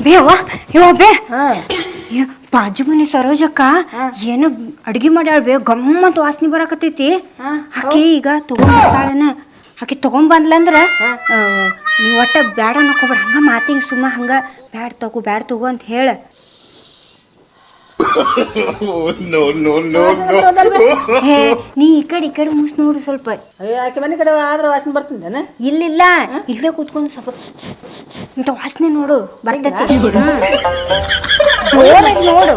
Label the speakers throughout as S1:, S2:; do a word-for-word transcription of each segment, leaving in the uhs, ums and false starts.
S1: ಬೇವ ಯೋ ಬೇ ಬಾಜು ಮನೆ ಸರೋಜಕ್ಕ ಏನು ಅಡ್ಗೆ ಮಾಡ್ಯಾಳ ಬೇ ಗಮ್ಮತ್ ವಾಸನೆ ಬರಾಕತೈತಿ. ಆಕಿ ಈಗ ತಗೊಂಡ್ಬರ್ತಾಳನ. ಆಕಿ ತಗೊಂಬಂದ್ಲಂದ್ರ ನೀವು ಒಟ್ಟ ಬ್ಯಾಡ ಅನ್ನಕೋಬೇಡ, ಹಂಗ ಮಾತಿಗೆ ಸುಮ್ಮ ಹಂಗ ಬ್ಯಾಡ ತಗೋ ಬ್ಯಾಡ ತಗೋ ಅಂತ ಹೇಳ. ಹೇ ನೀ ಈ ಕಡೆ ಈ ಕಡೆ ಮುಸ್ ನೋಡು ಸ್ವಲ್ಪ.
S2: ಆಕೆ ಮನೆ ಕಡೆ ಆದ್ರೆ ವಾಸನೆ ಬರ್ತಿದ್ದೇನೆ.
S1: ಇಲ್ಲಿಲ್ಲ, ಇಲ್ಲೇ ಕೂತ್ಕೊಂಡು ಸ್ವಲ್ಪ ಇಂಥ ವಾಸನೆ ನೋಡು ಬರ್ತೈತಿ. ಜೋರಾಗಿ ನೋಡು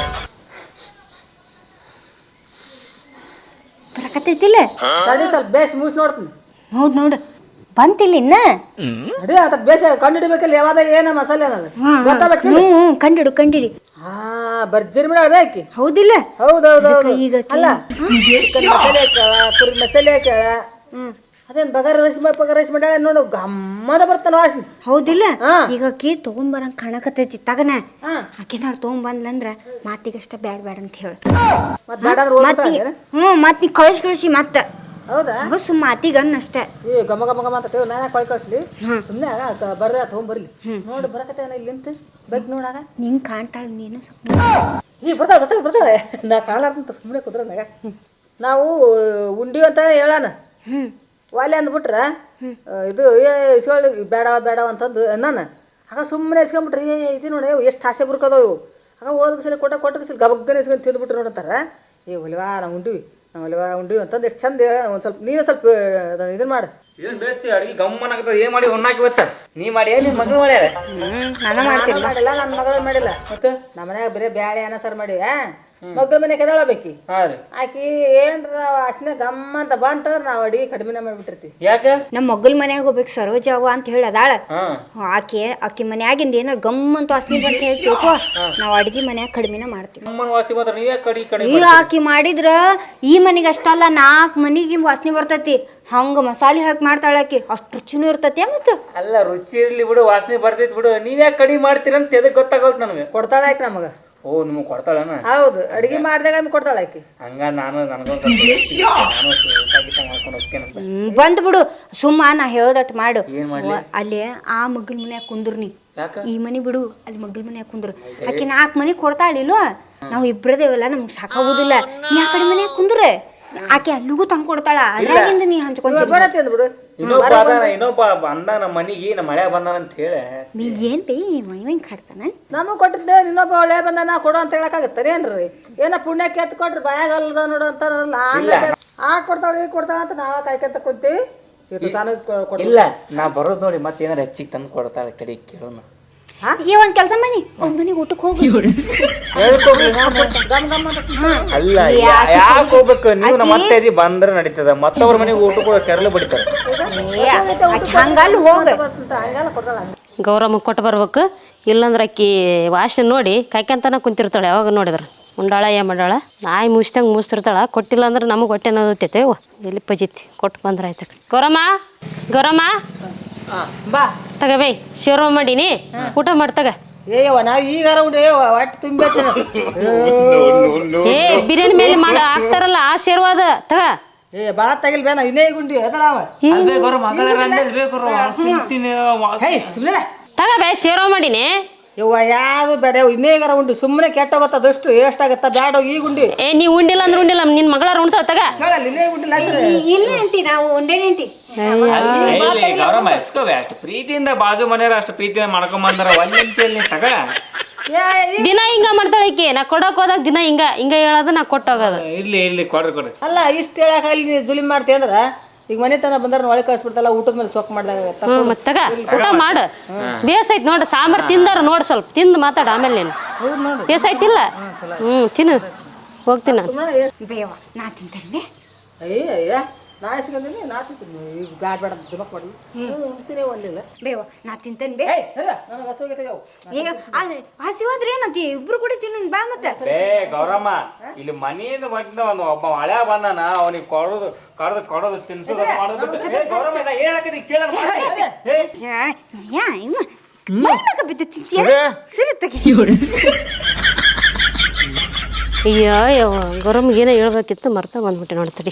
S1: ಬರಕತ್ತೈತಿಲ್ಲ.
S2: ಸ್ವಲ್ಪ ಬೇಸ್ ಮೂಸ್ ನೋಡ್ತೀನಿ.
S1: ನೋಡು ನೋಡು ಬಂತಿಲ್ಲ ಇನ್ನ.
S2: ಅದೇ ಅದಕ್ಕೆ ಬೇಸ ಕಂಡು ಹಿಡಿಬೇಕಲ್ಲ ಯಾವಾಗ ಏನ ಮಸಾಲೆ ಅನ್ನೋದು ಗೊತ್ತಾಗಬೇಕು.
S1: ಹ್ಞೂ ಕಂಡಿಡು ಕಂಡಿಡಿ.
S2: ಹಾ ಬರ್ಜರಿ ಬಿಡ ಬೇಕಿ.
S1: ಹೌದಿಲ್ಲ?
S2: ಹೌದೌದು.
S1: ಈಗ
S2: ಅಲ್ಲ ಮಸಾಲೆ ಹಾಕ್ಯಾಳ, ಪುರಿ ಮಸಾಲೆ ಹಾಕ್ಯಾಳ. ಅದೇನ್ ಬಗಾರ ರೈಸ್ ಬಗಾರ ರೈಸ್ ಮಾಡ್ಯಾಳ ನೋಡು, ಗಮ್ಮದ ಬರ್ತಾನ ವಾಸನೆ.
S1: ಹೌದಿಲ್ಲ? ಈಗ ಆಕಿ ತಗೊಂಬರಂಗ ಕಾಣಕತ್ತೈತಿ ತಗನ. ಆಕಿ ನಾರು ತಗೊಂಬಂದ್ಲಂದ್ರ ಮಾತಿಗಷ್ಟ ಬ್ಯಾಡ ಬ್ಯಾಡ ಅಂತ ಹೇಳ. ಹ್ಞೂ ಮತ್ ನೀ ಕಳಿಸಿ ಕಳಿಸಿ ಮತ್ತ.
S2: ಹೌದಾ?
S1: ಸುಮ್ಮ ಮಾತಿಗನ್ ಅಷ್ಟೇ.
S2: ಏ ಗಮ ಗಮ ಗಮ ಅಂತ ನಾನು ಕೊಳ್ ಕಳಿಸ್ಲಿ ಸುಮ್ಮನೆ ಆಗ ಬರ್ರ ತಗೊಂಬರ್ಲಿ. ನೋಡಿ ಬರಕತ್ತೆ ಇಲ್ಲಿ ಅಂತ ಬೇಕು ನೋಡಾಗ
S1: ನಿಂಗೆ ಕಾಣ್ತಾಳ ನೀನು ಸ್ವಲ್ಪ.
S2: ಈ ಬರ್ತಾಳೆ ಬರ್ತಾಳೆ ಬರ್ತಾಳೆ ನಾ ಕಾಲಾರ್ದಂತ ಸುಮ್ಮನೆ ಕುದ್ರ ನಾಗ. ನಾವು ಉಂಡಿ ಅಂತ ಹೇಳಾನ ವಾಲೆ ಅಂದ್ಬಿಟ್ರ ಇದು ಏ ಇಸ್ಕೊಳ್ಳಿ ಬೇಡ ಬೇಡ ಅಂತಂದು ನಾನು ಆಗ ಸುಮ್ಮನೆ ಇಸ್ಕೊಂಬಿಟ್ರಿ. ಇದು ನೋಡಿ ಎಷ್ಟು ಆಸೆ ಬುರ್ಕದವು. ಆಗ ಹೋದ ಸಲ ಕೊಟ್ಟ ಕೊಟ್ಟ ಸಲ ಗಬಗ್ಗನೆ ಇಸ್ಕೊಂಡು ತಿಂದ್ಬಿಟ್ರು ನೋಡಂತಾರ. ಏ ಒಲಿವಾ ನಾವು ಉಂಡಿವಿ ನಾವು ಒಲಿವಾ ಉಂಡಿವಿ ಅಂತಂದು ಎಷ್ಟು ಚಂದ. ಒಂದು ಸ್ವಲ್ಪ ನೀನು ಸ್ವಲ್ಪ ಇದನ್ನ ಮಾಡು.
S3: ಏನ್ ಬೇತಿ ಅಡಿಗೆ ಗಮ್ಮನ ಆಗತ್ತದ. ಏನ್ ಮಾಡಿ ಹೊನ್ನಾಕಿ ಇವತ್ತ ನೀ ಮಾಡಿ ನಿಮ್ಮ ಮಗಳು ಮಾಡ್ಯಾರ.
S1: ನಾನು ಮಾಡ್ತೀನಿ.
S2: ಮಾಡಿಲ್ಲ ನನ್ನ ಮಗಳು ಮಾಡಿಲ್ಲ. ಮತ್ತೆ ನಮ್ಮ ಮನ್ಯಾಗ ಬರೀ ಬ್ಯಾಳೆ ಅನ್ನ ಸಾರು ಮಾಡಿವ. ಮಗ್ಳ ಮನೆ ಕೆದಳಬೇಕಿ ಆಕಿ ಏನ್ರ ವಾಸನೆ ಗಮ್ಮ ಅಂತ ಬಂತಂದ್ರ ನಾವ್ ಅಡಿಗೆ ಕಡಿಮೆನ ಮಾಡ್ಬಿಟ್ಟಿರ್ತೀವಿ.
S3: ಯಾಕೆ
S1: ನಮ್ಮ ಮಗ್ಳ ಮನ್ಯಾಗ ಹೋಗ್ಬೇಕು ಸರೋಜಾವ ಅಂತ ಹೇಳಿ ಅದಾಳ. ಆಕೆ ಆಕಿ ಮನ್ಯಾಗಿಂದ ಏನಾರ ಗಮ್ಮಂತ ವಾಸನೆ ಬಂತ ಹೇಳ್ತಿಕೋ ನಾವ್ ಅಡ್ಗಿ ಮನ್ಯಾಗ ಕಡಿಮೆನ ಮಾಡ್ತೀವಿ. ಈಗ ಆಕಿ ಮಾಡಿದ್ರ ಈ ಮನಿಗೆ ಅಷ್ಟಲ್ಲ ನಾಲ್ಕು ಮನಿಗೆ ವಾಸನೆ ಬರ್ತೈತಿ. ಹಂಗ ಮಸಾಲೆ ಹಾಕಿ ಮಾಡ್ತಾಳ ಆಕಿ, ಅಷ್ಟು ರುಚಿನೂ ಇರ್ತತಿ. ಮತ್ತ
S3: ಅಲ್ಲ ರುಚಿ ಇರ್ಲಿ ಬಿಡು, ವಾಸನೆ ಬರ್ತೈತಿ ಬಿಡು. ನೀವ್ಯಾಕೆ ಕಡಿಮೆ ಮಾಡ್ತೀರಂತ ಎದಕ್ ಗೊತ್ತಾಗೋದು ನನಗೆ.
S2: ಕೊಡ್ತಾಳ ಆಕಿ ನಮಗ.
S3: ಓ ನಿಮಗ್ ಕೊಡ್ತಾಳನ?
S2: ಹೌದು, ಅಡಿಗೆ ಮಾಡಿದಾಗ ಕೊಡ್ತಾಳ ಆಕಿ.
S3: ಹಂಗ ನಾನು ನನಗೊಂದು ಮಾಡ್ಕೊಂಡು ಹೋಗ್ತೇನೆ.
S1: ಬಂದ್ ಬಿಡು ಸುಮ್ಮ ನಾ ಹೇಳೋದಟ್ ಮಾಡು. ಅಲ್ಲಿ ಆ ಮಗ್ಳ ಮನ್ಯಾಗ ಕುಂದ್ರು ನೀ, ಈ ಮನಿ ಬಿಡು ಅಲ್ಲಿ ಮಗ್ಳ ಮನ್ಯಾಗ ಕುಂದ್ರು. ಆಕಿ ನಾಲ್ಕು ಮನಿ ಕೊಡ್ತಾಳಿಲ್ವ, ನಾವು ಇಬ್ರದೇವಲ್ಲ ನಮ್ಗೆ ಸಾಕಾಗುದಿಲ್ಲ. ನೀ ಆ ಕಡೆ ಮನ್ಯಾಗ ಕುಂದ್ರೆ ಆಕೆ ಅಲ್ಲಿಗೂ ತಂದು ಕೊಡ್ತಾಳ. ಅದ್ರಾಗಿಂದ ನೀ ಹಂಚ್ಕೊಂತ
S2: ಬಿಡು.
S3: ಇನ್ನೊಬ್ಬ ಇನ್ನೊಬ್ಬ ಬಂದ ನಮ್ಮ ಮನಿಗೆ ನಮ್ಮ ಮಳೆ ಬಂದಾನ ಅಂತ ಹೇಳಿ
S1: ನೀ ಏನ್ ಬೇ ಮೈವಂಗ್ ಕಾಡ್ತಾನ.
S2: ನಮಗ್ ಕೊಟ್ಟಿದ್ದೆ ಇನ್ನೊಬ್ಬ ಒಳ್ಳೆ ಬಂದ ನಾ ಕೊಡು ಅಂತ ಹೇಳಕ್ಕಾಗತ್ತಾನೆ ಏನ್ರಿ? ಏನ ಪುಣ್ಯಕ್ಕೆ ಎತ್ ಕೊಟ್ರಿ ಬಾಯಾಗ ಅಲ್ಲದ ನೋಡು ಅಂತಾರಲ್ಲ, ಆ ಕೊಡ್ತಾಳ ಈ ಕೊಡ್ತಾಳ ಅಂತ ನಾವ ಕಾಯ್ಕೊಂತ ಕುಂತೀವಿ.
S3: ಇಲ್ಲ ನಾ ಬರೋದ್ ನೋಡಿ ಮತ್ತೆ ಏನಾರ ಹೆಚ್ಚಿಗೆ ತಂದು ಕೊಡ್ತಾಳ. ಕಡೆ ಕೇಳೋಣ.
S1: ಈ ಒಂದ್ ಕೆಲಸ ಮನಿ ಒಂದ್ ಮನಿಗೆ ಊಟಕ್ಕೆ ಹೋಗಿ.
S3: ಅಲ್ಲ ಯಾಕೆ ಹೋಗ್ಬೇಕು ನೀವು? ನಮ್ಮ ಅತ್ತೆ ಬಂದ್ರೆ ನಡೀತದ, ಮತ್ತವ್ರ ಮನೆಗೆ ಊಟಕ್ಕೆ ಕೆರಳು ಬಡಿತಾರೆ.
S1: ಹಂಗಲ್ಲಿ ಹೋಗ
S4: ಗೌರಮ್ಮ ಕೊಟ್ಟು ಬರ್ಬೇಕು. ಇಲ್ಲಂದ್ರೆ ಅಕ್ಕಿ ವಾಸನೆ ನೋಡಿ ಕಾಯ್ಕಂತನ ಕುಂತಿರ್ತಾಳೆ. ಯಾವಾಗ ನೋಡಿದ್ರೆ ಉಂಡಾಳ ಏ ಮಾಡಾಳ ನಾಯಿ ಮುಗಿಸ್ದಂಗೆ ಮುಗಿಸ್ತಿರ್ತಾಳ. ಕೊಟ್ಟಿಲ್ಲ ಅಂದ್ರೆ ನಮಗೆ ಹೊಟ್ಟೆ ನೋದೈತೆ. ಎಲ್ಲಿ ಪಜಿತಿ ಕೊಟ್ಟು ಬಂದ್ರೆ ಆಯ್ತು. ಗೌರಮ್ಮ ಗೌರಮ್ಮ
S2: ಬಾ
S4: ತಗಬೇ ಶಿವರ ಮಾಡೀನಿ, ಊಟ ಮಾಡ್ತಗ.
S2: ಏಯವ್ವ ನಾವ್ ಈಗಾರ ಉಂಡೆ ಹೊಟ್ಟೆ ತುಂಬ.
S4: ಏ ಬಿರಿಯಾನಿ ಮೇಲೆ ಮಾಡ ಹಾಕ್ತಾರಲ್ಲ ಆ ಶೇರ್ವಾದ ತಗ.
S2: ಏ ಬಾಳ ತಗಿಲ್ ಬೇ ನಾವ್ ಇನ್ನೇ ಗುಂಡಿ
S4: ತಗಬೇ ಶಿವರ ಮಾಡೀನಿ.
S2: ಯವ್ವ ಯಾವ್ದು ಬೇಡ ಇನ್ನೇಗಾರ ಉಂಡಿ ಸುಮ್ಮನೆ ಕೆಟ್ಟೋಗತ್ತ. ಅದಷ್ಟು ಎಷ್ಟಾಗತ್ತ ಬೇಡ ಈ ಗುಂಡಿ.
S4: ಏ ನೀ ಉಂಡಿಲ್ಲ ಅಂದ್ರೆ ಉಂಡಿಲ್ಲ, ನಿನ್ ಮಗಳಾರ ಉಣ್ತಾಳ ತಗ.
S2: ಇನ್ನೇ ಗುಂಡಿಲ್ಲ
S1: ಇಲ್ಲ ಅಂತಿ ನಾವು ಉಂಡೇನೇಂತಿ.
S3: ಗೌರಮ್ಮ ಎಸ್ಕೋವೆ ಅಷ್ಟು ಪ್ರೀತಿಯಿಂದ ಬಾಜು ಮನೆಯವ್ರ ಅಷ್ಟು ಪ್ರೀತಿಯಿಂದ ಮಾಡ್ಕೊಂಡ್ ಬಂದಾರ. ಒಂದಂತೇಳಿ ತಗ
S4: ದಿನ ಹಿಂಗ ಮಾಡ್ತಾಳಕಿ. ನಾ ಕೊಡಕ್ ಹೋದಾಗ ದಿನ ಹಿಂಗ ಹಿಂಗ ಹೇಳೋದು, ನಾ ಕೊಟ್ಟೋಗೋದು.
S3: ಇರ್ಲಿ ಇರ್ಲಿ ಕೊಡ್ರಿ ಕೊಡ್ರಿ.
S2: ಅಲ್ಲ ಇಷ್ಟು ಹೇಳಕ ಇಲ್ಲಿ ಜುಲಿಮ್ ಮಾಡ್ತಿ ಅಂದ್ರ ಈಗ ಮನೆ ತನ ಬಂದಾರ ಒಳಗೆ ಕಳಿಸ್ಬಿಡ್ತಲ್ಲ. ಊಟದ ಮೇಲೆ ಸೊಕ್ ಮಾಡ್ದಾಗ
S4: ಮತ್ತಗ ಊಟ ಮಾಡು. ಬೇಸೈತ್ ನೋಡ್ರಿ ಸಾಂಬಾರ್ ತಿಂದಾರ ನೋಡಿ, ಸ್ವಲ್ಪ ತಿಂದು ಮಾತಾಡ ಆಮೇಲೆ. ನೀನು ಬೇಸೈತಿಲ್ಲ? ಹ್ಮ್ ತಿನ್ನು ಹೋಗ್ತೀನಿ ನಾನು.
S1: ಬೇವ ನಾ ತಿಂತೇನೆ.
S2: ಅಯ್ಯ ಅಯ್ಯ ನಾ ಇಸ್ಕೊಂತೀನಿ ನಾ ತಿಂತೀನಿ. ಈಗ ಬ್ಯಾಡ್ ಬೇಡ ದಿಮಕ್ ಮಾಡಿ ಉಣ್ತೀನಿ ಒಂದಿಲ್ಲ.
S1: ಬೇವ ನಾ ತಿಂತೇನೆ ಬೇ.
S2: ನನಗೆ ಹಸುವಾಗೈತೆ ಯಾವ
S1: ಈಗ ಹಸಿ ಹೋದ್ರೆ ಏನಂತಿ ಇಬ್ರು ಕೂಡ ತಿನ್ನು ಬಾ. ಮತ್ತೆ
S3: ಬೇ ಗೌರಮ್ಮ ಇಲ್ಲಿ ಮನೆಯಿಂದ ಬಂದ ಒಂದು ಒಬ್ಬ ಹಳೆ ಬಂದಾನ, ಅವನಿಗೆ ಕೊಡೋದು ಕಡ್ದು ಕೊಡೋದು ತಿನ್ಸೋದು ಮಾಡೋದು ಬಿಟ್ಟು ಹೇಳಕತ್ತಿ ಕೇಳೋಣ.
S1: ಯಾ ಇವ ಮೈನಾಗ ಬಿದ್ದು ತಿಂತೀಯ ಸರಿ ತಗಿ.
S4: ಅಯ್ಯೋ ಯವ್ವ ಗೌರಮ್ಮಗೆ ಏನೋ ಹೇಳ್ಬೇಕಿತ್ತು ಮರ್ತಾ ಬಂದ್ಬಿಟ್ಟೆ ನೋಡ್ತಡಿ.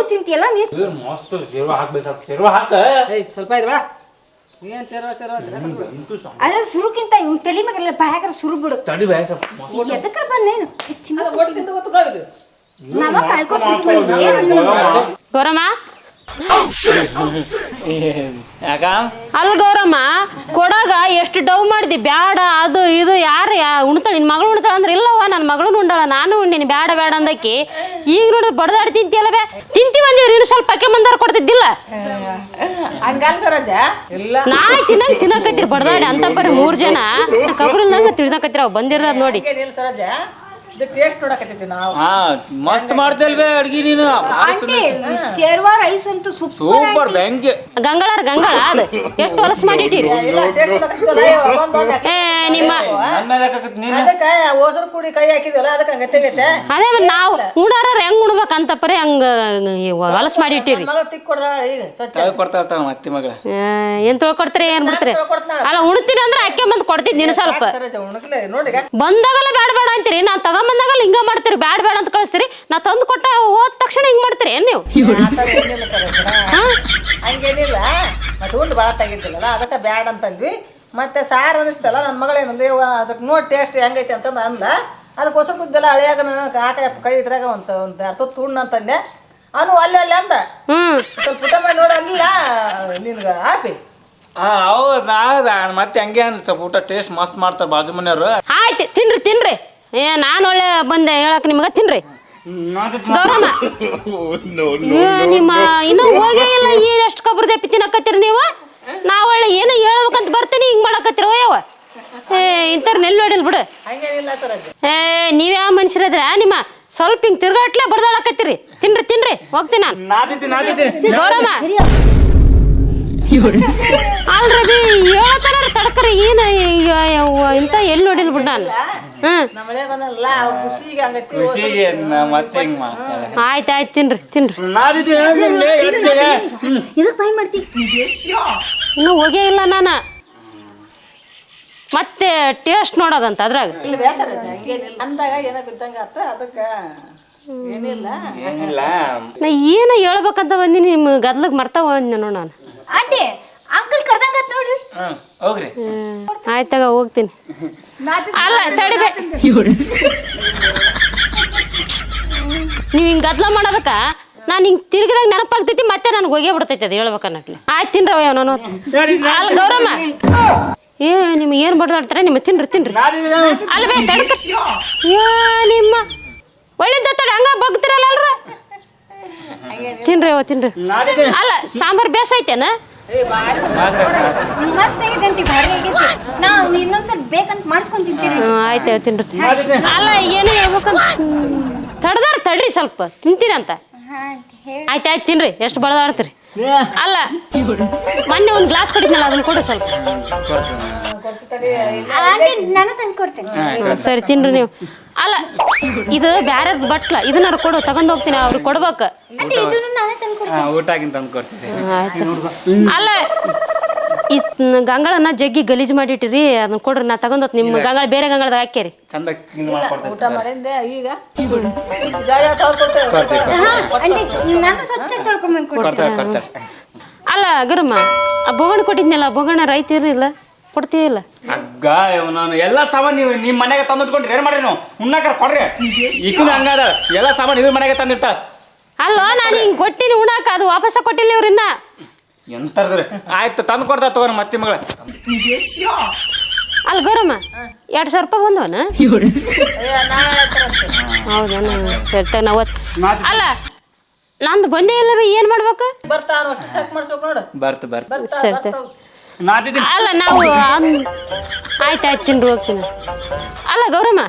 S1: ತಿಂತಿಯಲ್ಲ ನೀ
S3: ಮಸ್ತ್ ಸೇರುವ ಹಾಕ್ಬೇಕು ಸ್ವಲ್ಪ ಸೇರುವ ಹಾಕ
S2: ಏಯ್ ಸ್ವಲ್ಪ ಇದು ಬೇಡ ಏನು ಸೇರೋ ಸೇರೋ
S1: ಅದ್ರ ಸುರುಕ್ಕಿಂತ ಇವ್ ತಲೆ ಮಗಲ್ಲ ಬಾಯಾಗ್ರ ಸುರು ಬಿಡು
S3: ತಡಿ ಬಾಯ ಸ್ವಲ್ಪ
S1: ಎದಕ್ರ ಬಂದೇನು
S2: ಒಟ್ಟು ತಿಂದು ಗೊತ್ತು
S1: ನಮ್ಮ ಕಾಯ್ಕೊತ
S4: ಗೌರಮ್ಮ
S3: ಯಾಕ
S4: ಅಲ್ಲ ಗೌರಮ್ಮ ಕೊಡಾಗ ಎಷ್ಟು ಡವ್ ಮಾಡಿದಿ ಬ್ಯಾಡ ಅದು ಇದು ಯಾರು ಯಾ ಉಣ್ತಾಳ ನಿನ್ನ ಮಗಳು ಉಣ್ತಾಳ ಅಂದ್ರೆ ಇಲ್ಲವ ನನ್ನ ಮಗಳು ಉಂಡಾಳ ನಾನು ಉಂಡಿನಿ ಬ್ಯಾಡ ಬ್ಯಾಡ ಅಂದಕ್ಕೆ ಈಗ ನೋಡಿ ಬಡದಾಡಿ ತಿಂತಿಯಲ್ಲ ಬೇ ತಿಂತೀವಿ ಅಂದಿವ್ರಿ ಇನ್ನು ಸ್ವಲ್ಪ ಅಕ್ಕೆ ಮಂದಾರ ಕೊಡ್ತಿದ್ದಿಲ್ಲ
S2: ಹಂಗಲ್ಲ ಸರೋಜ ಇಲ್ಲ
S4: ನಾ ತಿನ್ನಂಗ್ ತಿನ್ನಕತ್ತೀರಿ ಬಡದಾಡಿ ಅಂತ ಬರೀ ಮೂರ್ ಜನ ಕಬ್ರಲ್ದಂಗ ತಿಳಿದಕತ್ತೀರ ಅವ್ ಬಂದಿರೋದ್ ನೋಡಿ
S2: ಇಲ್ಲ ಸರೋಜ ಇದು ಟೇಸ್ಟ್ ನೋಡಕತ್ತೈತಿ ನಾವು
S3: ಹಾ ಮಸ್ತ್ ಮಾಡ್ತೇಲ್ವೇ ಅಡ್ಗಿ ನೀನು
S1: ಆಂಟಿ ಶೇರ್ವಾ ರೈಸ್ ಅಂತೂ ಸೂಪರ್
S3: ಸೂಪರ್ ಬ್ಯಾಂಕ್
S4: ಗಂಗಳಾರ ಗಂಗಳ ಅದು ಎಷ್ಟು ಹೊಲಸು ಮಾಡಿಟ್ಟಿರಿ
S2: ಇಲ್ಲ ಟೇಸ್ಟ್ ನೋಡಕತ್ತಿಲ್ಲ ಒಂದು ಒಂದು
S4: ಏ ನಿಮ್ಮ
S3: ನನ್ನ ಮೇಲೆ ಹಾಕಕತ್ತಿ ನೀನು
S2: ಅದಕ್ಕೆ ಓಸರು ಪುಡಿ ಕೈ ಹಾಕಿದ್ವಲ್ಲ ಅದಕ್ಕೆ ಹಂಗತ್ತೆ
S4: ಅದೇ ಮತ್ತ್ ನಾವು ಉಣಾರ ಹೆಂಗ್ ಉಣ್ಬೇಕಂತ ಪರಿ ಹಂಗ ಹೊಲಸು ಮಾಡಿಟ್ಟಿರಿ
S2: ಮಗ ತಿಕ್ ಕೊಡ್ದಾಳ ಈಗ ಸ್ವಚ್ಛ
S3: ಚಾಯ್ ಕೊಡ್ತಾ ಇರ್ತಾವ ಮತ್ತೆ ಮಗಳ
S4: ಏನ್ ತೊಳ್ಕೊಡ್ತೀರಿ ಏನ್ ಬಿಡ್ತೀರಿ ಅಲ್ಲ ಉಣ್ತೀನಿ ಅಂದ್ರೆ ಅಕ್ಕೆ ಬಂದ್ ಕೊಡ್ತಿದ್ ನೀನು ಸ್ವಲ್ಪ
S2: ಸರೋಜ ಉಣಕ್ಲೆ ನೋಡಿ
S4: ಬಂದಾಗಲ್ಲ ಬ್ಯಾಡ ಬೇಡ ಅಂತೀರಿ ನಾ ತಗೊಂಬಂದಾಗಲ್ಲ ಹಿಂಗ ಮಾಡ್ತೀರಿ ಬ್ಯಾಡ ಬೇಡ ಅಂತ ಕಳಿಸ್ತೀರಿ ನಾ ತಂದು ಕೊಟ್ಟ ಹೋದ ತಕ್ಷಣ ಹಿಂಗ್ ಮಾಡ್ತೀರಿ ಏನ್ ನೀವು
S2: ಏನಿಲ್ಲ ಸರೋಜ ಹಂಗೇನಿಲ್ಲ ಮತ್ತೆ ಉಂಡು ಭಾಳ ತೆಗಿತಿಲ್ಲಲ್ಲ ಅದಕ್ಕೆ ಬ್ಯಾಡ ಅಂತಂದ್ವಿ ಮತ್ತೆ ಸಾರು ಅನಿಸ್ತಲ್ಲ ನನ್ನ ಮಗಳೇನಂದ್ರೆ ಅದಕ್ಕೆ ನೋಡಿ ಟೇಸ್ಟ್ ಹೆಂಗೈತಿ ಅಂತಂದು ಅಂದ ಅದಕ್ಕೋಸ್ಕರ ಕುದ್ದೆಲ್ಲ ಹಳೆಯಾಗ ಕಾಕ ಕೈ ಇದ್ರಾಗ ಒಂದು ಒಂದು ಅರ್ಥ ತುಣ್ಣ ಅಂತಂದೆ ಅವನು ಅಲ್ಲಿ ಅಲ್ಲಿ ಅಂದ
S4: ಹ್ಮ್
S2: ಸ್ವಲ್ಪ ಊಟ ಮಾಡಿ ನೋಡಿ ಅಲ್ಲ ನಿನ್ಗೆ ಹಾಪಿ
S3: ಹಾ ಹೌದಾ ಮತ್ತೆ ಹಂಗೆ ಅನ್ ಸ್ವಲ್ಪ ಊಟ ಟೇಸ್ಟ್ ಮಸ್ತ್ ಮಾಡ್ತಾರ ಬಾಜು ಮನೆಯವ್ರು
S4: ಆಯ್ತು ತಿನ್ರಿ ತಿನ್ರಿ ಏ ನಾನು ಒಳ್ಳೆ ಬಂದೆ ಹೇಳಕ್ ನಿಮ್ಗ ತಿನ್ರಿ ಗೌರಮ್ಮ ಏ, ನಿಮ್ಮ ಇನ್ನೂ ಹೋಗೇ ಇಲ್ಲ ಈ ಎಷ್ಟು ಕಬ್ರ ದಪ್ಪಿ ತಿನ್ನಕತ್ತೀರಿ ನೀವು ನಾವ್ ಒಳ್ಳೆ ಏನೋ ಹೇಳ್ಬೇಕಂತ ಬರ್ತೀನಿ ಹಿಂಗ್ ಮಾಡಕತ್ತೀರ ಓಯವ್ವ ಏ ಇಂಥವ್ರ ನೆಲ್ ನೋಡಿಲ್ ಬಿಡು
S2: ಹಂಗೇನಿಲ್ಲ ಸರೋಜ
S4: ಏ ನೀವ್ಯಾವ ಮನುಷ್ಯರದ್ರ ನಿಮ್ಮ ಸ್ವಲ್ಪ ಹಿಂಗ್ ತಿರ್ಗಾಟ್ಲೆ ಬಡ್ದಾಳಕತ್ತೀರಿ ತಿನ್ರಿ ತಿನ್ರಿ ಹೋಗ್ತೀನಿ ನಾನು
S3: ನಾದಿದ್ದೀನಿ ನಾದಿದ್ದೀನಿ
S4: ಗೌರಮ್ಮ ಅಲ್ರಿ ಹೇಳತ್ತಾರ ತಡಕರಿ ಏನ ಇಂತ ಎಲ್ಲಿ ನೋಡಿಲ್ ಬಿಡ್ ನಾನು ಹ್ಮ್
S2: ನಮ್ಮಳೆ ಬಂದಲ್ಲ ಅವ್ರ ಖುಷಿಗೆ ಹಂಗೈತಿ
S3: ಖುಷಿಗೆ ನಾ ಮತ್ತೆ ಹಿಂಗ್ ಮಾಡ್ತಾಳೆ
S4: ಆಯ್ತು ಆಯ್ತು ತಿನ್ರಿ ತಿನ್ರಿ
S1: ಇದಕ್ ಬಾಯ್ ಮಾಡ್ತಿ
S4: ಇನ್ನೂ ಹೋಗೇ ಇಲ್ಲ ನಾನು ಮತ್ತೆ ಟೇಸ್ಟ್ ನೋಡೋದಂತ ಅದ್ರಾಗ
S2: ಇಲ್ಲಿ ಬೇಸರ ಹಂಗೇನಿಲ್ಲ ಅಂದಾಗ ಏನೋ ಬಿದ್ದಂಗ ಆತ ಅದಕ್ಕೆ ಏನಿಲ್ಲ
S3: ಏನಿಲ್ಲ
S4: ನಾ ಏನ ಹೇಳ್ಬೇಕಂತ ಬಂದಿನಿ ನಿಮ್ಮ ಗದ್ಲಗ್ ಮರ್ತಾವ ನೋಡ ನಾನು
S1: ಆಂಟಿ ಅಂಕಲ್ ಕರ್ದಂಗತ್ ನೋಡ್ರಿ
S3: ಹ್ಮ್ ಹೋಗ್ರಿ
S4: ಆಯ್ತಾಗ ಹೋಗ್ತೀನಿ ಅಲ್ಲ ತಡಿಬೇ ನೀವು ಹಿಂಗೆ ಗದ್ಲ ಮಾಡೋದಕ್ಕ ನಾನು ಹಿಂಗೆ ತಿರುಗಿದಾಗ ನೆನಪಾಗ್ತೈತಿ ಮತ್ತೆ ನನಗೆ ಹೋಗೇ ಬಿಡ್ತೈತಿ ಅದು ಹೇಳ್ಬೇಕನ್ನಟ್ಲಿ ಆಯ್ತು ತಿನ್ರವ ನಾನು ಅಲ್ಲ ಗೌರಮ್ಮ ಏ ನಿಮ್ಗೆ ಏನು ಬಡ್ದಾಡ್ತಾರೆ ನಿಮ್ಮ ತಿನ್ರಿ ತಿನ್ರಿ ಅಲ್ವೇ ತಡ್ಕ ಏ ನಿಮ್ಮ ಒಳ್ಳೆದ ತಡಿ ಹಂಗ ಬಗ್ತಿರಲ್ಲ ಅಲ್ರ ತಿನ್ರಿ ಅವ ತಿನ್ರಿ ಅಲ್ಲ ಸಾಂಬಾರ್ ಬೇಸ್ ಐತೇನ
S1: ಮಸ್ತ್ ಆಗೈತೆ ಆಂಟಿ ಭಾರಿ ಆಗೈತಿ ನಾವು ಇನ್ನೊಂದ್ಸಲ ಬೇಕಂತ ಮಾಡಿಸ್ಕೊಂಡ್ ತಿಂತೀರಿ
S4: ಆಯ್ತು ತಿನ್ರಿ ಅಲ್ಲ ಏನು ಹೇಳ್ಬೇಕಂತ ತಡ್ದಾರ ತಡ್ರಿ ಸ್ವಲ್ಪ ತಿಂತೀರಿ ಅಂತ
S1: ಹಾ ಆಂಟಿ ಹೇಳಿ
S4: ಆಯ್ತು ಆಯ್ತು ತಿನ್ರಿ ಎಷ್ಟು ಬಡದಾಡ್ತೀರಿ ಅಲ್ಲ ಮೊನ್ನೆ ಒಂದು ಗ್ಲಾಸ್ ಕೊಟ್ಟಿದ್ನಲ್ಲ ಅದನ್ನ ಕೊಡು ಸ್ವಲ್ಪ
S1: ಆಂಟಿ ನಾನು ತಂದು ಕೊಡ್ತೇನೆ
S4: ಸರಿ ತಿನ್ರಿ ನೀವು ಅಲ್ಲ ಇದು ಬ್ಯಾರದ ಬಟ್ಲ ಇದನ್ನಾರ ಕೊಡು ತಗೊಂಡ್ ಹೋಗ್ತೀನಿ ಅವ್ರಿಗೆ ಕೊಡ್ಬೇಕು
S1: ಆಂಟಿ ಇದನ್ನು ನಾನೇ ತಂದು ಕೊಡ್ತೇನೆ
S3: ಊಟ ಆಗಿನ ತಂದು ಕೊಡ್ತೀರಿ
S4: ಆಯ್ತು ಅಲ್ಲ ಈ ಗಂಗಳನ್ನ ಜಗ್ಗಿ ಗಲೀಜ್ ಮಾಡಿಟ್ಟಿರಿ ಅದನ್ನ ಕೊಡ್ರಿ ನಾ ತಗೊಂಡ್ ನಿಮ್ಮ ಗಂಗಳ ಬೇರೆ ಗಂಗಳದಾಗ ಹಾಕ್ಯಾರಿ
S3: ಚಂದ ಮಾಡ್ಕೊಡ್ತೀವಿ
S2: ಊಟ ಮಾಡಿಂದೆ ಈಗ ಜಾಗ ತಗೊಳ್ಕೊಳ್ತೇವೆ
S1: ಹಾ ಆಂಟಿ ನಾನು ಸ್ವಚ್ಛ ತೊಳ್ಕೊಂಬಂದು ಕೊಡ್ತೇನೆ
S3: ಕೊಡ್ತಾರೆ ಕೊಡ್ತಾರೆ
S4: ಅಲ್ಲ ಗರಮ್ಮ ಆ ಬೊಗಣ ಕೊಟ್ಟಿದ್ನಲ್ಲ ಬೊಗಣ ರೈತ ಇರಲಿಲ್ಲ ಕೊಡ್ತೀವಿಲ್ಲ
S3: ಅಗ್ಗ ಇವ್ ನಾನು ಎಲ್ಲ ಸಾಮಾನು ನೀವು ನಿಮ್ಮ ಮನೆಗೆ ತಂದಿಟ್ಕೊಂಡ್ರಿ ಏನ್ ಮಾಡ್ರಿ ನೀವು ಉಣ್ಣಾಕರ ಕೊಡ್ರಿ ಈಗಿನ ಹಂಗಾದ ಎಲ್ಲ ಸಾಮಾನು ಇವ್ರ ಮನೆಗೆ ತಂದಿರ್ತಾಳ
S4: ಅಲ್ಲ ನಾನು ಹಿಂಗೆ ಕೊಟ್ಟಿನಿ ಉಣಾಕ ಅದು ವಾಪಸ್ ಕೊಟ್ಟಿಲ್ಲ ಇವ್ರನ್ನ
S3: ಎಂತರ್ದ್ರಿ ಆಯ್ತು ತಂದು ಕೊಡ್ತಾ ತಗೋರಿ ಮತ್ತೆ ಮಗಳ
S4: ಅಲ್ಲ ಗೌರಮ್ಮ ಎರಡು ಸಾವಿರ ರೂಪಾಯಿ ಬಂದವನ ಹೌದಾ ಸರಿ ತಗ ನಾವು ಅಲ್ಲ ನಂದು ಬಂದೇ ಇಲ್ಲ ಬಿ ಏನು ಮಾಡ್ಬೇಕು
S2: ಬರ್ತಾವ ಅಷ್ಟು ಚೆಕ್ ಮಾಡಿಸ್ಬೇಕು ನೋಡು
S3: ಬರ್ತು ಬರ್ತು
S4: ಸರಿ ತಗ
S3: ನಾದಿದ್ದೀನಿ
S4: ಅಲ್ಲ ನಾವು ಆಯ್ತು ಆಯ್ತು ತಿಂಡ್ರು ಹೋಗ್ತೀನಿ ಅಲ್ಲ ಗೌರಮ್ಮ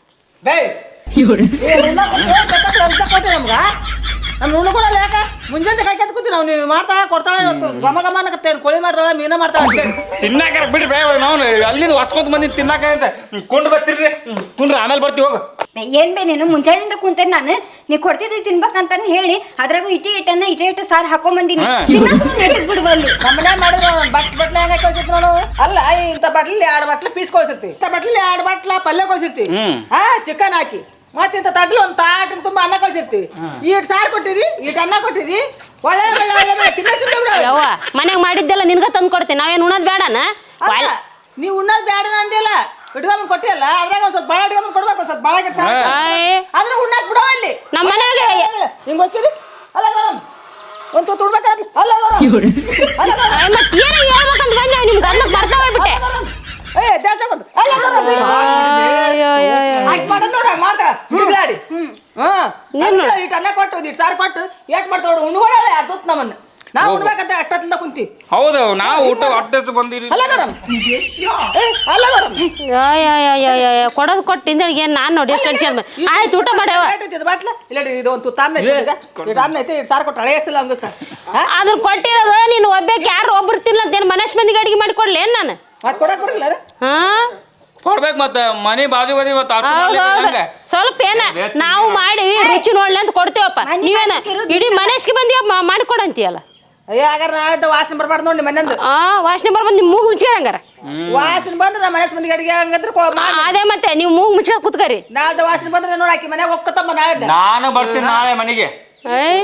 S2: ಕೊಟ್ಟೆ ನಮ್ಗ ನಮ್ ಉಣ್ಕೊಳಲ್ಲ ಯಾಕ ಮುಂಜಾನೆ ಕೈ ಕೆತ್ತ್ ಕೂತಿ ನಾವು ನೀವು ಮಾಡ್ತಾಳ ಕೊಡ್ತಾಳ ಗಮ ಗಮ ಅನ್ನಕತ್ತೇನು ಕೋಳಿ ಮಾಡ್ತಾಳ ಮೀನ ಮಾಡ್ತಾಳ
S3: ತಿನ್ನಾಕ ಬಿಡ್ರಿ ಬೇ ನಾವು ಅಲ್ಲಿಂದ ಹೊಸ್ಕೊಂತ ಬಂದಿ ತಿನ್ನಾಕ ಅಂತ ಕೊಂಡು ಬರ್ತೀರಿ ಕುಂಡ್ರಿ ಆಮೇಲೆ ಬರ್ತೀವಿ ಹೋಗು
S1: ಏನ್ ಬೇ ನೀನು ಮುಂಜಾನೆಯಿಂದ ಕುಂತೇನೆ ನಾನು ನೀ ಕೊಡ್ತಿದ್ದಿ ತಿನ್ಬೇಕಂತಾನೆ ಹೇಳಿ ಅದ್ರಾಗೂ ಇಟಿ ಇಟ್ಟನ್ನ ಇಟೆ ಇಟ್ಟು ಸಾರು ಹಾಕೊಂಬಂದಿನಿ ನೆಟ್ಟಿಗೆ ಬಿಡ್ಬಲ್ಲಿ
S2: ನಮ್ಮ ಮನ್ಯಾಗ ಮಾಡಿದ್ರೆ ಬಟ್ ಬಟ್ಲೆ ಹೆಂಗ ಕಳ್ಸಿರ್ತಿ ನೋಡು ಅಲ್ಲ ಇಂಥ ಬಟ್ಲಿ ಎರಡು ಬಟ್ಲೆ ಪೀಸ್ ಕಳ್ಸಿರ್ತಿ ಇಂಥ ಬಟ್ಲಿ ಎರಡು ಬಟ್ಲ ಪಲ್ಯ ಕಳ್ಸಿರ್ತಿ ಹಾ ಚಿಕನ್ ಹಾಕಿ ಮತ್ತಿಂತ ತಡ್ಲಿ ಒಂದು ತಾಟಿನ ತುಂಬ ಅನ್ನ ಕಳ್ಸಿರ್ತೀವಿ ಈಟ್ ಸಾರು ಕೊಟ್ಟಿದಿ ಈಟ್ ಅನ್ನ ಕೊಟ್ಟಿದಿ ಒಳ್ಳೆ ಒಳ್ಳೆ ಒಳ್ಳೆ ಒಳ್ಳೆ ತಿನ್ನಸಿರ್ತೀವಿ ಬಿಡು.
S4: ಯವ್ವ ಮನೆಗೆ ಮಾಡಿದ್ದೆಲ್ಲ ನಿನ್ಗ ತಂದು ಕೊಡ್ತೀನಿ ನಾವೇನು ಉಣ್ಣೋದು ಬೇಡನ
S2: ಅಲ್ಲ, ನೀವು ಉಣ್ಣೋದು ಬೇಡ ಅಂದಿಲ್ಲ ಇಟ್ಕೊಂಡ್ ಕೊಟ್ಟಿಲ್ಲ ಅದ್ರಾಗ ಒಂದ್ ಸ್ವಲ್ಪ ಬಾಳ ಇಟ್ಕೊಂಡ್ ಕೊಡ್ಬೇಕು ಒಂದ್ ಸ್ವಲ್ಪ ಬಾಳ ಕೆಟ್ಟ ಆದ್ರೆ ಉಣ್ಣಾಕ್ ಬಿಡೋ ಇಲ್ಲಿ
S4: ನಮ್ಮ ಮನೆಗೆ
S2: ಹಿಂಗ್ ಹೋಗ್ತಿದಿ ಅಲ್ಲ ಗರಂ ಒಂದ್ ತುತ್ತು ಉಣ್ಬೇಕಾದ್ರೆ ಅಲ್ಲ ಗರಂ ಅಲ್ಲ ಗರಂ
S4: ಮತ್ತೆ ಏನೋ ಹೇಳ್ಬೇಕಂತ ಬಂದೆ ನಿಮ್ಗೆ ಅದಕ್ಕೆ ಬರ್ತಾ ಹೋಗ್ಬಿಟ್ಟೆ
S2: ಏ ದೇಶ ಬಂದು ಅಲ್ಲ ಗರಂ ಆಯ್ತು ಮಾಡೋದು ನೋಡ ಮಾಡ್ತಾರ ಜಿಗ್ಲಾಡಿ ಹ್ಮ್ ಇಟ್ ಅನ್ನ ಕೊಟ್ಟು ಇಟ್ ಸಾರು ಕೊಟ್ಟು ಏಟ್ ಮಾಡ್ತಾವ ಉಣ್ಕೊಡಲ್ಲ ಯಾರು ತುತ್ತು ನಮ್ಮನ್ನ ನಾವು ಉಣ್ಬೇಕಂತ ಅಷ್ಟೊತ್ತಿಂದ ಕುಂತಿ
S3: ಹೌದು ನಾವು ಊಟ ಹೊಟ್ಟೆ ಬಂದಿರಿ
S2: ಅಲ್ಲ ಗರಂ ಏ ಅಲ್ಲ ಗರಂ
S4: ಕೊಡೋದು ಕೊಟ್ಟು ಹಿಂದೆಗೆ ಏನು ನಾನು ನೋಡಿ ಎಷ್ಟು ಟೆನ್ಷನ್ ಆಯ್ತು ಊಟ ಮಾಡ್ಯಾವ
S2: ಬಾಟ್ಲ ಇಲ್ಲ ಇದು ಒಂದು ತುತ್ತು ಅನ್ನ ಐತಿ ಈಗ ಇಟ್ ಅನ್ನ ಐತಿ ಇಟ್ ಸಾರು ಕೊಟ್ಟು ಹಳೆ ಎಷ್ಟಿಲ್ಲ ಹಂಗಿಸ್ತಾರ
S4: ಅದ್ರ ಕೊಟ್ಟಿರೋದು ನೀನು ಒಬ್ಬಕ್ಕೆ ಯಾರು ಒಬ್ರು ತಿನ್ನಲ್ಲ ಅಂತ ಏನು ಮನೇಶ್ ಮಂದಿಗೆ ಅಡಿಗೆ ಮಾಡಿ ಕೊಡ್ಲಿ ಏನು ನಾನು
S2: ಮತ್ತೆ ಕೊಡಕ್ ಬರಲ್ಲ
S4: ಹಾ
S3: ಕೊಡ್ಬೇಕು ಮತ್ತ ಮನೆ ಬಾಜು ಬದಿ ಮತ್ತ
S4: ಸ್ವಲ್ಪ ಏನ ನಾವು ಮಾಡಿವಿ ರುಚಿ ನೋಡ್ಲಿ ಅಂತ ಕೊಡ್ತೇವಪ್ಪ ನೀವೇನ ಇಡೀ ಮನೇಶ್ಗೆ ಬಂದಿ ಮಾಡಿಕೊಡಂತೀಯಲ್ಲ
S2: ಅಯ್ಯ ಹಾಗಾರ ನಾಳೆ ವಾಸನೆ ಬರ್ಬಾರ್ದು ನೋಡಿ ಮನೆಯಂದು
S4: ಆ ವಾಸನೆ ಬರ್ಬಂದು ನಿಮ್ಮ ಮೂಗು ಮುಚ್ಚಿಗೆ ಹಂಗಾರ
S2: ವಾಸನೆ ಬಂದ್ರೆ ನಮ್ಮ ಮನೆ ಮಂದಿಗೆ ಅಡಿಗೆ ಹಂಗಂದ್ರೆ ಕೊ- ಮಾ-
S4: ಅದೇ ಮತ್ತೆ ನೀವು ಮೂಗು ಮುಚ್ಚಿಗೆ ಕೂತ್ಕರಿ
S2: ನಾಳ್ದು ವಾಸನೆ ಬಂದ್ರೆ ನೋಡಿ ಆಕಿ ಮನ್ಯಾಗ ಹೋಗ್ಕತ್ತಮ್ಮ ನಾಳೆ
S3: ನಾನು ಬರ್ತೀನಿ ನಾಳೆ ಮನೆಗೆ
S4: ಏಯ್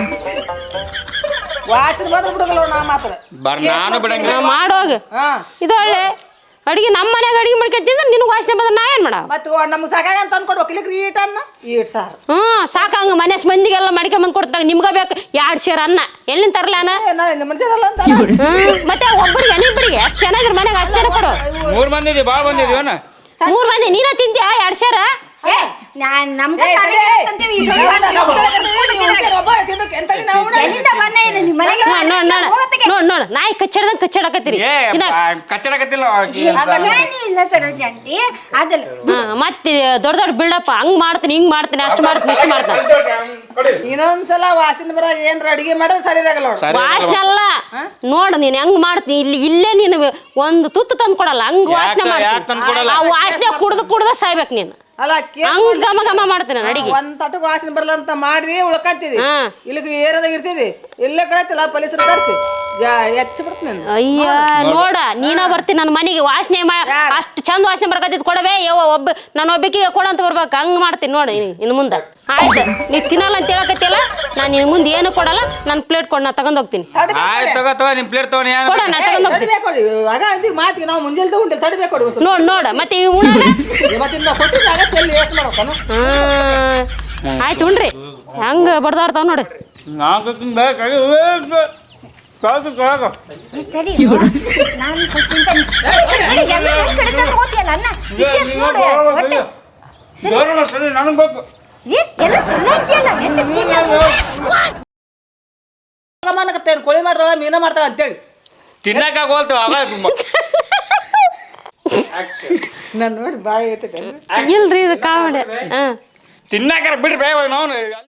S2: ವಾಸನೆ ಬಂದ್ರೆ ಬಿಡಗಲ್ಲ ನಾ ಮಾತ್ರ
S3: ಬರ್ ನಾನು ಬಿಡಂಗಿಲ್ಲ
S4: ಮಾಡೋಗ
S2: ಹಾ
S4: ಇದು ಒಳ್ಳೆ ಅಡಿಗೆ ನಮ್ಮ ಮನ್ಯಾಗ ಅಡಿಗೆ ಮಾಡ್ಕೊಂತಿದ್ರೆ ನಿನಗೆ ವಾಸನೆ ಬಂದ್ರೆ ನಾ ಏನು ಮಾಡವ
S2: ಮತ್ತೆ ನಮ್ಗೆ ಸಾಕಾಗ ಅಂತ ಅಂದ್ಕೊಡ್ಬೇಕು ಇಲ್ಲಿಗೆ ಈಟ್ ಅನ್ನ ಈಟ್ ಸಾರು
S4: ಹ್ಞೂ ಸಾಕಂಗ ಮನೇಶ್ ಮಂದಿಗೆಲ್ಲ ಮಾಡ್ಕೊಂಬಂದು ಕೊಡ್ತಾಗ ನಿಮ್ಗೆ ಬೇಕು ಎರಡು ಸೇರು ಅನ್ನ ಎಲ್ಲಿಂದ ತರಲಾನ
S2: ಏ, ನಾ ನಿಮ್ಮ ಮನುಷ್ಯರಲ್ಲ ಅಂತ
S4: ಹ್ಮ್ ಮತ್ತೆ ಒಬ್ಬರಿಗೆ ಇಬ್ಬರಿಗೆ ಅಷ್ಟು ಚೆನ್ನಾಗಿರ್ ಮನೆಗೆ ಅಷ್ಟು ಜನ ಕೊಡು
S3: ಮೂರ್ ಮಂದಿ ಇದೀವಿ ಭಾಳ ಬಂದಿದೀವನ
S4: ಮೂರು ಮಂದಿ ನೀನ ತಿಂತೀಯ ಎರಡು ಸೇರ
S1: ಏ ನಾನ್ ನಮ್ಗೆ
S2: ಏ,
S1: ಸಾಲಿ
S2: ಏ, ಏ,
S1: ಅಂತೀವಿ,
S2: ಈ
S1: ಈ ಜೋಡಿ
S2: ಜೋಡಿ
S1: ಮಾಡ್ತೀವಿ,
S2: ನಾವು
S1: ಒಬ್ಬೊಬ್ರು
S2: ತಿಂದು
S1: ಕರ್ಸ್ಕೊಂಡು ತಿಂದ್ರೆ
S2: ಒಬ್ಬ ತಿಂದು ಎಂತಡಿ ನಾವು ಉಣ್ಣೋದು?
S1: ಎಲ್ಲಿಂದ ಬಣ್ಣ ಏನು ನಿಮ್ಮ ಮನೆಗೆ
S4: ನೋಡ್ ನೋಡ್ ನೋಡ್
S1: ಹೋಗತ್ತಿಗೆ.
S4: ನೋಡ್ ನೋಡ್ ನಾಯಿ ಕಚ್ಚಡ್ದಂಗ್ ಕಚ್ಚಡಕತ್ತೀರಿ
S3: ಏ ಕಚ್ಚಡಕತ್ತಿಲ್ಲ
S1: ಏನೇ ಇಲ್ಲ ಸರೋಜ ಆಂಟಿ ಅದಲ್ಲ
S4: ಹಾ ಮತ್ತೆ ದೊಡ್ಡ ದೊಡ್ಡ ಬಿಲ್ಡಪ್ ಹಂಗ್ ಮಾಡ್ತೀನಿ ಹಿಂಗ್ ಮಾಡ್ತೀನಿ ಅಷ್ಟು ಮಾಡ್ತೀನಿ ಇಷ್ಟು ಮಾಡ್ತೀನಿ
S2: ಇನ್ನೊಂದ್ಸಲ ವಾಸನೆ ಬರಾಗ ಏನ್ರ ಅಡಿಗೆ ಮಾಡೋದು ಸರಿ ಇರಾಗಲ್ಲ ನೋಡು.
S4: ವಾಸನೆ ಅಲ್ಲ ನೋಡು ನೀನ್ ಹೆಂಗ್ ಮಾಡ್ತೀನಿ ಇಲ್ಲಿ ಇಲ್ಲೇ ನೀನು ಒಂದು ತುತ್ತು ತಂದು ಕೊಡಲ್ಲ ಹಂಗ್ ವಾಸನೆ
S3: ಯಾಕ್ ತಂದ್ ಕೊಡಲ್ಲ?
S4: ಮಾಡ್ತೀನಿ ಆ ವಾಸನೆ ಕುಡ್ದು ಕುಡ್ದ ಸಾಯ್ಬೇಕು ನೀನು
S2: ಅಲ್ಲ ಕೇಳ್
S4: ಹಂಗ್ ಘಮ ಘಮ ಮಾಡ್ತೀನಿ ನಾನು ಅಡಿಗೆ
S2: ಒಂದ್ ತಟಕ್ ವಾಸನೆ ಬರಲ್ಲ ಅಂತ ಮಾಡಿ ಉಳ್ಕಂತಿದಿ
S4: ಹಾ.
S2: ಇಲ್ಲಿಗೆ ಏರದಾಗ ಇರ್ತಿದಿ ಇಲ್ಲೇ ಕಳತಿಲ್ಲ ಪೊಲೀಸರು ಕರ್ಸಿ ಎಚ್ಚಿ ಬಿಡ್ತೀನಿ ನಾನು
S4: ಅಯ್ಯ ನೋಡ ನೀನ ಬರ್ತೀನಿ ನನ್ನ ಮನೆಗೆ ವಾಸನೆ ಅಷ್ಟು ಚಂದ ವಾಸನೆ ಬರ್ಕತ್ತಿದ್ ಕೊಡವೇ ಯವ್ವ ಒಬ್ಬ ನಾನು ಒಬ್ಬಕಿಗೆ ಕೊಡಂತ ಬರ್ಬೇಕು ಹಂಗ್ ಮಾಡ್ತೀನಿ ನೋಡಿ ಇನ್ನು ಮುಂದೆ ಆಯ್ತು ನೀ ತಿನ್ನಲ್ಲ ಅಂತ ಹೇಳಕತ್ತಿಲ್ಲ ನಾನು ನಿನ್ ಮುಂದೆ ಏನು ಕೊಡಲ್ಲ ನನ್ನ ಪ್ಲೇಟ್ ಕೊಡ್ ನಾ ತಗೊಂಡ್ ಹೋಗ್ತೀನಿ
S3: ಆಯ್ತು ತಗೋ ತಗೋ ನಿಮ್ ಪ್ಲೇಟ್ ತಗೊಂಡು ಏನು
S4: ಕೊಡ ನಾ ತಗೊಂಡ್ ಹೋಗ್ತೀನಿ
S2: ತಡಿಬೇಕು ನೋಡಿ ಆಗ ಅಂತೀವಿ ಮಾತಿಗೆ ನಾವು ಮುಂಜಾನೆ ತಗೊಂಡಿಲ್ಲ ತಡಿಬೇಕು ನೋಡಿ ಒಂದ್ ಸ್ವಲ್ಪ.
S4: ನೋಡ್ ನೋಡ ಮತ್ತೆ ಈ ಉಣ
S2: ಇವತ್ತಿಂದ ಕೊಟ್ಟಿದ್ದಾಗ ಚೆಲ್ಲಿ ಎಷ್ಟು ಮಾಡ್ಬೇಕನು
S4: ಆಯ್ತು ಉಣ್ರಿ ಹೆಂಗ ಬಡ್ದಾಡ್ತಾವ ನೋಡಿ
S3: ನಾಲ್ಕು ಬೇಕಾಗಿ ಕಾಕು ಕಾಕು
S1: ಏ, ಸರಿ ನೋಡು. ನಾನು ಸ್ವಲ್ಪ ತಿಂತೇನೆ. ನನಗೆ ಎಲ್ಲ ಒಂದ್ ಕಡೆ ತಂದು ಹೋಗ್ತೀಯಲ್ಲ ಅನ್ನ ಇದ್ಕೆ ನೋಡು ಹೊಟ್ಟೆ.
S3: ಸರಿ ನನಗೆ ಬೇಕು
S1: ಏ, ಎಲ್ಲ ಚಲೋ ಇರ್ತೀಯಲ್ಲ ಎಂತ ತಿನ್ನೋದು?
S2: ಗಮನಕತ್ತೇನು ಕೋಳಿ ಮಾಡ್ತಾಳ ಮೀನ ಮಾಡ್ತಾಳ ಅಂತೇಳಿ
S3: ತಿನ್ನಕ ಹೋಲ್ತು ಅವಾಗ
S2: ನಾನು ನೋಡಿ ಬಾಯಿ ಐತೆ
S4: ಇಲ್ರಿ ಇದು ಕಾಮಿಡಿ ಹಾ
S3: ತಿನ್ನಕ ಬಿಡ್ರಿ ನಾವು